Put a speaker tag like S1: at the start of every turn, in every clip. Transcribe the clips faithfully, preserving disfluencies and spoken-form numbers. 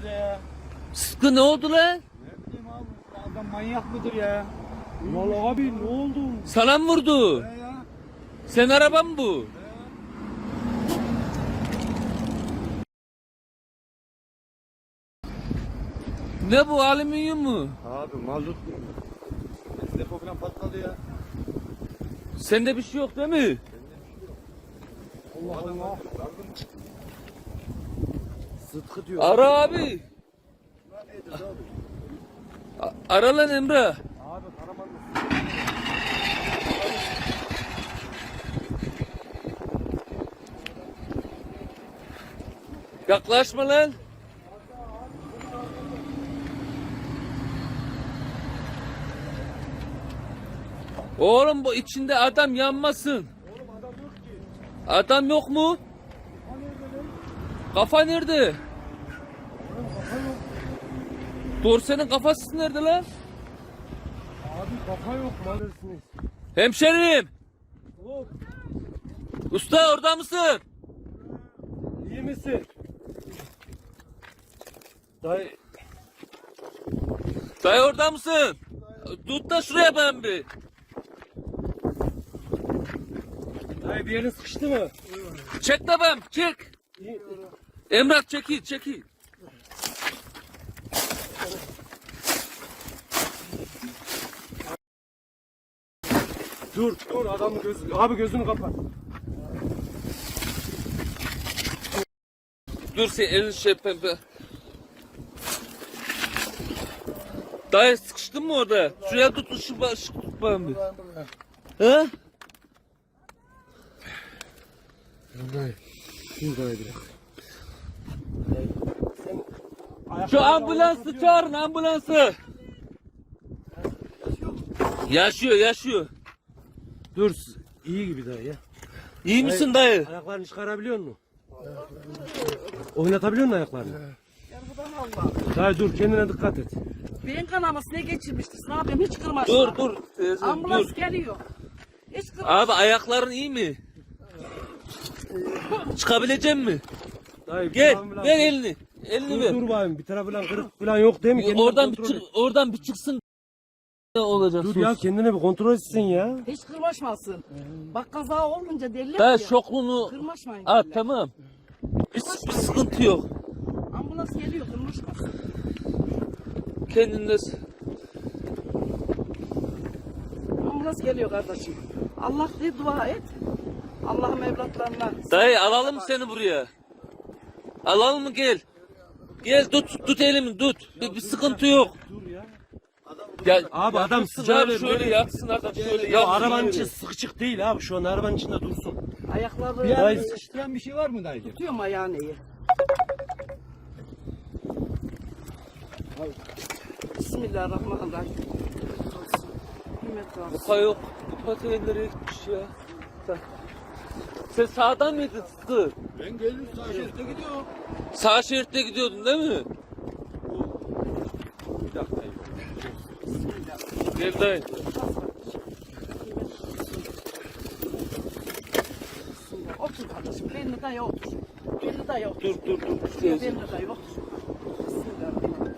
S1: bize ya.
S2: Sıtkı ne oldu lan?
S1: Ne bileyim abi. Bu adam manyak mıdır ya? Vallahi abi ne oldu?
S2: Sana mı vurdu?
S1: Ne ya?
S2: Sen araban mı bu? Ne bu, alüminyum mu?
S1: Abi mazot. Depo falan patladı ya.
S2: Sende bir şey yok değil mi?
S1: Allah Allah. Sıtkı diyor.
S2: Ara abi. A- Ara lan Emre.
S1: Abi karaman mı?
S2: Yaklaşma lan. Oğlum bu içinde adam yanmasın.
S1: Oğlum adam yok ki.
S2: Adam yok mu?
S1: Kafa nerede lan?
S2: Kafa nerede?
S1: Oğlum kafa yok.
S2: Dorsenin kafası nerede lan?
S1: Abi kafa yok maalesef.
S2: Hemşerim.
S1: Oğlum
S2: Usta orada mısın?
S1: iyi misin? Dayı.
S2: Dayı orada mısın? Tut da şuraya ben bir.
S1: Dayı bir yerin sıkıştı mı?
S2: Çek de ben, çek.
S1: İyi.
S2: Emrah çekil, çekil.
S1: Dur dur adamın gözü. Abi gözünü kapat.
S2: Dur sen elini şey pembe. Dayı sıkıştın mı orada? Şuraya tut, şu baş tut ben bir. He?
S1: Dayı. Dur dayı bir.
S2: Şu ambulansı çağırın, ambulansı. Yaşıyor, yaşıyor.
S1: Dur. İyi gibi dayı ya.
S2: İyi misin dayı?
S1: Ayaklarını çıkarabiliyor musun? Oynatabiliyor musun ayaklarını? Dayı dur kendine dikkat et.
S3: Beyin kanaması ne geçirmiştir? Ne yapayım? Hiç kırmaç.
S2: Dur, dur. Teyze,
S3: Ambulans
S2: dur.
S3: geliyor. Hiç kırmaç.
S2: Abi ayakların iyi mi? Çıkabilecek mi?
S1: Dayı, bir
S2: Gel,
S1: tarafı falan-
S2: ver elini. Elini
S1: Dur
S2: ver.
S1: dur bayım bir tarafı falan kırık falan yok değil mi? Kendine
S2: Oradan bir
S1: kontrol
S2: çık,
S1: et.
S2: oradan bir çıksın. Ne olacak?
S1: Dur
S2: sus.
S1: ya kendine bir kontrol etsin ya.
S3: Hiç kırmaşmasın. Bak kaza olunca derler
S2: Dayı
S3: ki.
S2: şoklunu
S3: Kırmaşmayın
S2: at,
S3: derler.
S2: tamam. Bir, bir sıkıntı yok.
S3: Ambulans geliyor kırmaşmasın.
S2: Kendinde
S3: Ambulans geliyor kardeşim. Allah diye dua et. Allah'ım evlatlarına.
S2: dayı alalım mı seni buraya? Alalım mı, gel. Gel tut tut elimi tut. Bir, bir sıkıntı yok.
S1: Dur ya.
S2: Gel.
S1: Abi adam
S2: yatsın
S1: sıcağı
S2: abi,
S1: veriyor.
S2: şöyle yatsın adam şöyle.
S1: Ya
S2: yatsın
S1: arabanın
S2: şöyle.
S1: içi sıkışık değil abi şu an arabanın içinde dursun.
S3: Ayakları
S1: Dayı
S4: Sıkıştıran bir şey var mı dayıcım?
S3: tutuyorum ayağını iyi. Bismillahirrahmanirrahim. Kıymet olsun.
S2: Kupa yok. Kupa nereye gitmiş ya? Sen, sen sağdan mıydın Sıtkı?
S4: Ben geldim sağ şeritte gidiyorum.
S2: Sağ şeritte gidiyordun değil mi?
S4: Bir dakika.
S2: Gel dayı.
S3: Otur kardeşim. Belini daya otur. Belini daya otur.
S2: Dur dur dur.
S3: Belini daya otur. Bismillahirrahmanirrahim.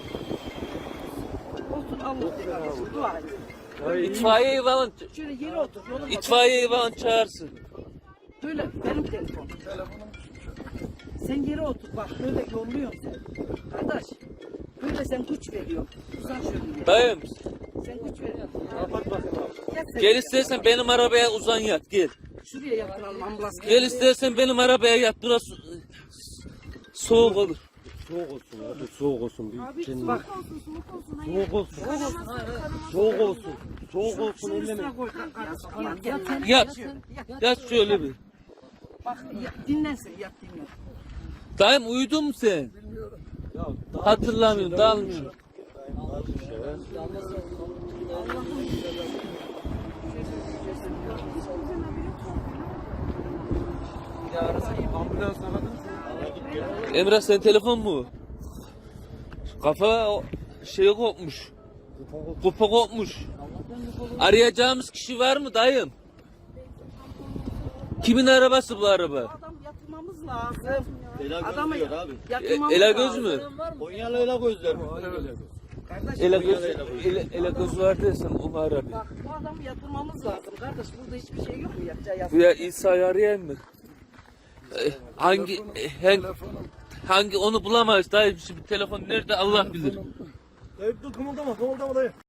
S3: Otur Allah kardeşim. Dua et.
S2: İtfaiyeyi falan,
S3: Şöyle yere otur. Yolun
S2: itfaiyeyi falan çağırsın.
S3: Böyle benim telefonum. Sen yere otur bak böyle yolluyorsun sen. Kardeş böyle sen güç veriyorsun. Uzan şöyle.
S2: Dayım
S3: Sen güç veriyorsun.
S1: Kapat bakayım abi.
S3: Gel, sen
S2: gel istersen benim arabaya uzan yat gel.
S3: şuraya yatıralım ambulans.
S2: Gel istersen benim arabaya yat, burası soğuk olur.
S1: Soğuk olsun ya dur soğuk olsun. Bir kendine.
S3: Bak.
S1: Soğuk olsun. Soğuk olsun. Soğuk olsun
S3: Şunun
S1: elleme.
S3: üstüne koy kardeşim. Yat, yat,
S2: Yat.
S3: yat.
S2: Yat şöyle bir.
S3: Bak yat, dinlensin yat dinlen.
S2: Dayım uyudun mu sen?
S1: Ya, daha
S2: Hatırlamıyorum, dalmışım.
S1: ambulans aradın mı?
S2: Emrah sen telefon mu? Kafa o- şey kopmuş. Kupa kopmuş. Arayacağımız kişi var mı dayım? Kimin arabası bu araba?
S3: Adam yatırmamız lazım.
S4: Ela göz
S3: Adamı
S4: diyor abi.
S3: yatırmamız
S2: E, Ela
S3: lazım.
S2: göz mü?
S4: Konyalı ela gözler.
S3: Kardeş,
S2: Ela göz, ele, ele göz var dersen onu ara bir.
S3: bak bu adamı yatırmamız lazım. Kardeş burada hiçbir şey yok mu yapacağı
S2: Bu
S3: yatırım?
S2: ya İsa'yı arayayım mı? E, hangi, e, hangi, hangi onu bulamayız dayı. Şimdi telefon nerede Allah bilir.
S1: Dayı dur kımıldama kımıldama dayı.